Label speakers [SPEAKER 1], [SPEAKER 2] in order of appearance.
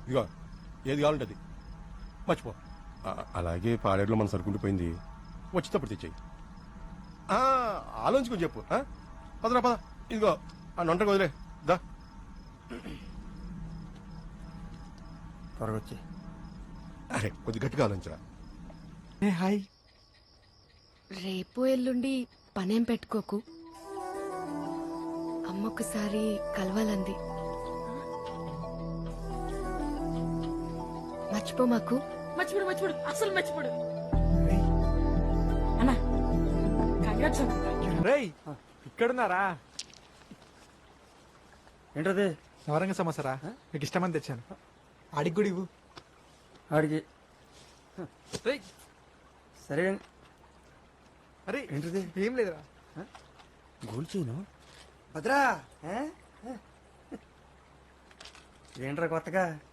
[SPEAKER 1] ఇదిగో ఏది కావాలంటే అది మర్చిపో.
[SPEAKER 2] అలాగే పాడేరులో మన సరుకుండిపోయింది.
[SPEAKER 1] వచ్చేటప్పుడు తెచ్చేయి. ఆలోచించుకొని చెప్పు. పదరా పద. ఇదిగో ఆ నొంటకు వదిలే దా.
[SPEAKER 3] త్వరగా వచ్చి.
[SPEAKER 1] అరే కొద్ది గట్టిగా ఆలోచించరా.
[SPEAKER 3] హాయ్.
[SPEAKER 4] రేపు ఎల్లుండి పనేం పెట్టుకోకు. అమ్మొకసారి కలవాలంది. మర్చిపో మాకు.
[SPEAKER 5] మర్చిపోడు అసలు మర్చిపోడు. అన్నా కంగ్రాట్స్ అన్న.
[SPEAKER 3] రేయ్ ఇక్కడున్నారా? ఏంటది?
[SPEAKER 6] నవరంగ సమోసారా మీకు ఇష్టమని తెచ్చాను. ఆడికి కూడా ఇవ్వు.
[SPEAKER 3] ఆడికి సరే.
[SPEAKER 6] అరే
[SPEAKER 3] ఏంటది?
[SPEAKER 6] ఏం లేదురా.
[SPEAKER 3] గోల్చీను భద్రా. ఏంట్రా కొత్తగా?